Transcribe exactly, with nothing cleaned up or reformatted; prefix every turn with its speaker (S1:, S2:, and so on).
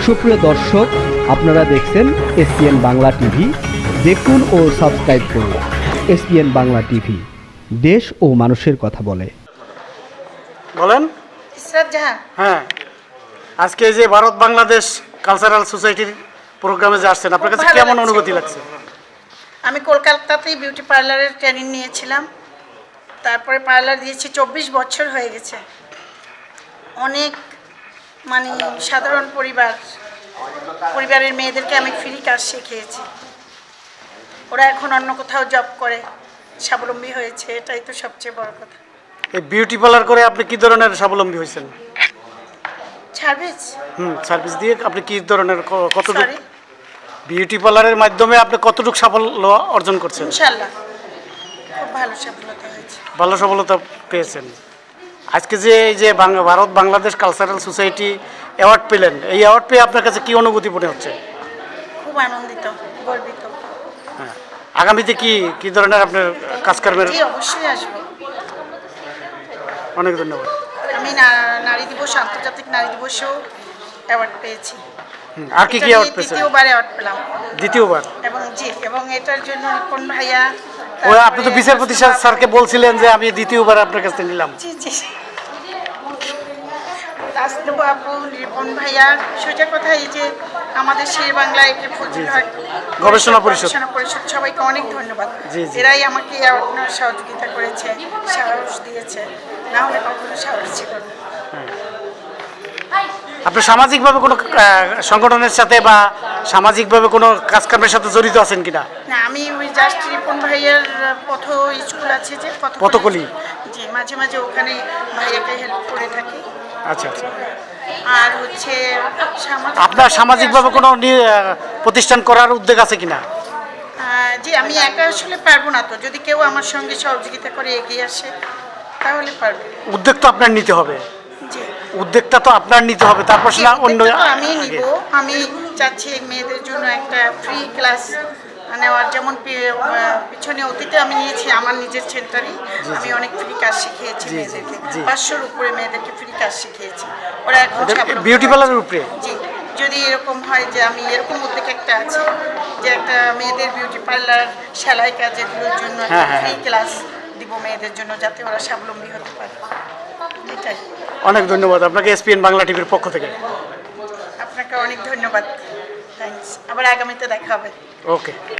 S1: সুপ্রিয় দর্শক, আপনারা দেখছেন এসপিএন বাংলা টিভি। দেখুন ও সাবস্ক্রাইব করুন এসপিএন বাংলা টিভি, দেশ ও মানুষের কথা বলে।
S2: বলেন।
S3: ইসরাত জাহান।
S2: হ্যাঁ, আজকে এই যে ভারত বাংলাদেশ কালচারাল সোসাইটির প্রোগ্রামে যে আসছেন, আপনার কাছে কেমন অনুভূতি লাগছে?
S3: আমি কলকাতাতেই বিউটি পার্লারের ট্রেনিং নিয়েছিলাম, তারপরে পার্লার দিয়েছি, চব্বিশ বছর হয়ে গেছে। অনেক মানে সাধারণ পরিবার পরিবারের মেয়েদেরকে আমি ফ্রি কাজ শিখিয়েছি। ওরা এখন অন্য কোথাও জব করে স্বাবলম্বী হয়েছে, এটাই তো সবচেয়ে বড় কথা।
S2: এই বিউটি পার্লার করে আপনি কি ধরনের স্বাবলম্বী হয়েছেন?
S3: সার্ভিস।
S2: হুম সার্ভিস দিয়ে আপনি কি ধরনের ক- কতটুকু
S3: সরি,
S2: বিউটি পার্লারের মাধ্যমে আপনি কতটুকু সাফল্য অর্জন করছেন?
S3: ইনশাল্লাহ খুব ভালো সফলতা হয়েছে।
S2: ভালো সফলতা পেয়েছেন। আজকে যে এই যে বাং- Bharat Bangladesh cultural society award পেলেন, এই অ্যাওয়ার্ড পেয়ে আপনার কাছে কি অনুভূতি মনে হচ্ছে?
S3: খুব আনন্দিত, গর্বিত।
S2: হ্যাঁ, আগামীতে কি কি ধরনের আপনার কাজকর্মের?
S3: জি, অবশ্যই আসবো।
S2: অনেক ধন্যবাদ।
S3: আমি না- নারী দিবস, আন্তর্জাতিক নারী দিবসেও অ্যাওয়ার্ড পেয়েছি।
S2: হুম, আর কি কি
S3: এটা
S2: অ্যাওয়ার্ড
S3: নিয়ে
S2: পেয়েছেন?
S3: দ্বিতীয়বার অ্যাওয়ার্ড পেলাম।
S2: দ্বিতীয়বার?
S3: এবং জি, এবং এটার জন্য রিপন ভাইয়া,
S2: ওই আপনি তো বিচারপতি স্যার- স্যারকে বলছিলেন যে আমি দ্বিতীয়বার আপনার কাছ থেকে নিলাম।
S3: জি জি রাজনব আপু, রিপন ভাইয়া, সোজা কথা এই যে আমাদের শের বাংলায় যে ফজল হক
S2: গবেষণা পরিষদ।
S3: গবেষণা পরিষদ, সবাইকে অনেক ধন্যবাদ।
S2: জি, জি।
S3: এরাই আমাকে অ্যাওয়ার্ড নেওয়ার সহযোগিতা করেছে, সাহস দিয়েছে, না হলে কখনো সাহস ছিল না।
S2: আপনি সামাজিকভাবে কোনো আহ, সংগঠনের সাথে বা সামাজিকভাবে কোনো কাজকর্মের সাথে জড়িত আছেন কিনা?
S3: না, আমি ওই জাস্ট রিপন ভাইয়ের পথ স্কুল আছে যে পথ-
S2: পথকলি।
S3: জি, মাঝে মাঝে ওখানে ভাইয়াকে হেল্প করে থাকি।
S2: আচ্ছা আচ্ছা।
S3: আর হচ্ছে সামাজিক
S2: আপনার সামাজিকভাবে কোনো নি- আহ, প্রতিষ্ঠান করার উদ্যোগ আছে কিনা?
S3: আহ, জি, আমি একা আসলে পারবো না, তো যদি কেউ আমার সঙ্গে সহযোগিতা করে এগিয়ে আসে তাহলে পারবো।
S2: উদ্যোগ তো আপনার নিতে হবে।
S3: জি,
S2: উদ্যোগটা তো আপনার নিতে হবে, তারপর
S3: জি,
S2: না অন্য
S3: উদ্যোগটা তো আমি
S2: আগে।
S3: নিব। আমি চাচ্ছি মেয়েদের জন্য একটা ফ্রি ক্লাস নেওয়ার, যেমন পি- আহ, পিছনে অতীতে আমি নিয়েছি আমার নিজের সেন্টারে। আমি অনেক ফ্রি কাজ শিখিয়েছি
S2: জি, জি,
S3: মেয়েদেরকে,
S2: জি।
S3: পাঁচশোর উপরে মেয়েদেরকে ফ্রি কাজ শিখিয়েছি। ওরা এখন
S2: এটা
S3: স্বাবলম্বী
S2: বিউটি
S3: হয়েছে।
S2: পার্লারের উপরে?
S3: জি, যদি এরকম হয় যে আমি এরকম উদ্যোগ একটা আছে যে একটা মেয়েদের বিউটি পার্লার সেলাই কাজেগুলোর জন্য
S2: হ্যাঁ, হ্যাঁ,
S3: ফ্রি
S2: হ্যাঁ।
S3: ক্লাস দিব মেয়েদের জন্য, যাতে ওরা স্বাবলম্বী হতে পারে। এটাই।
S2: অনেক ধন্যবাদ আপনাকে এসপিএন বাংলা টিভির পক্ষ থেকে।
S3: আপনাকে অনেক ধন্যবাদ। থ্যাঙ্কস। আবার আগামীতে দেখা হবে।
S2: ওকে।